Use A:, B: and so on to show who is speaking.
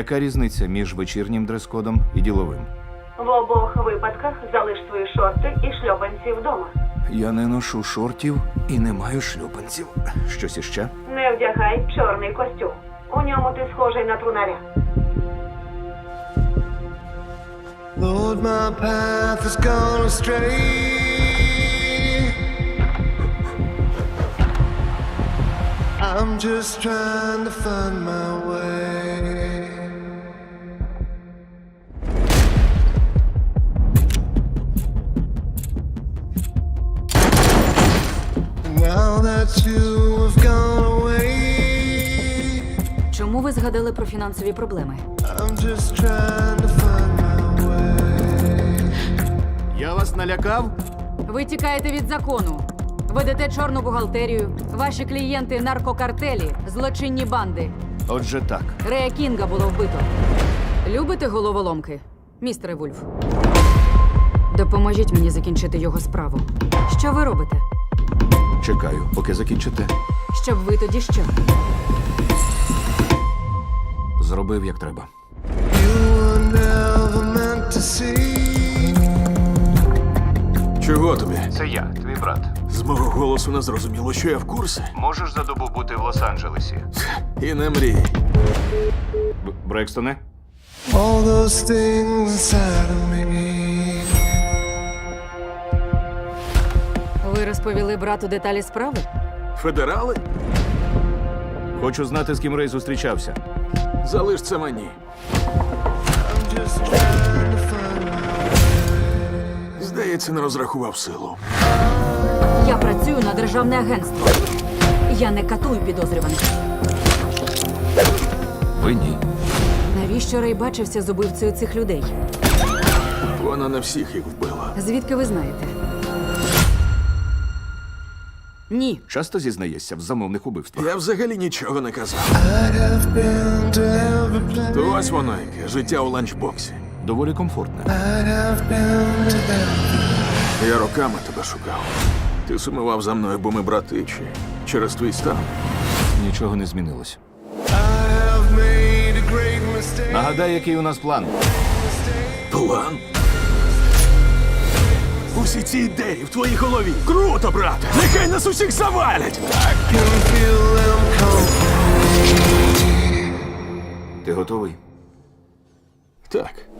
A: Яка різниця між вечірнім дрес-кодом і діловим?
B: В обох випадках залиш свої шорти і шльопанці вдома.
A: Я не ношу шортів і не маю шлюпанців. Щось іще?
B: Не вдягай чорний костюм. У ньому ти схожий на трунаря.
C: Lord, my path has gone astray. I'm just trying to find my way. Now that you have gone away,
D: Чому ви згадали про фінансові проблеми?
C: I'm just trying to find my way.
A: Я вас налякав?
D: Ви тікаєте від закону. Ведете чорну бухгалтерію. Ваші клієнти – наркокартелі, злочинні банди.
A: Отже так.
D: Рея Кінга було вбито. Любите головоломки, містере Вульф? Допоможіть мені закінчити його справу. Що ви робите?
A: Чекаю, поки закінчите.
D: Щоб ви тоді що?
A: Зробив, як треба.
C: You were never meant to see.
E: Чого тобі?
A: Це я, твій брат.
E: З мого голосу не зрозуміло, що я в курсі.
A: Можеш за добу бути в Лос-Анджелесі?
E: І не мрій.
A: Брекстоне?
C: All those things inside of me.
D: Ви розповіли брату деталі справи?
E: Федерали?
A: Хочу знати, з ким Рей зустрічався.
E: Залиш це мені.
C: I'm just trying to find my
E: Здається, не розрахував силу.
D: Я працюю на державне агентство. Я не катую підозрюваних.
A: Ви ні.
D: Навіщо Рей бачився з убивцею цих людей?
E: Вона не всіх їх вбила.
D: Звідки ви знаєте? Ні.
A: Часто зізнаєшся в замовних убивствах.
E: Я взагалі нічого не казав.
C: I'd have been to every place.
E: То ось воно яке, життя у ланчбоксі.
A: Доволі комфортне.
C: I'd have been to them.
E: Я роками тебе шукав. Ти сумував за мною, бо ми брати, чи через твій стан.
A: Нічого не змінилось.
C: I have made a great mistake.
A: Нагадай, який у нас план.
E: План? Усі ці ідеї в твоїй голові. Круто, брате! Нехай нас усіх завалять!
C: Can feel them come.
A: Ти готовий?
E: Так.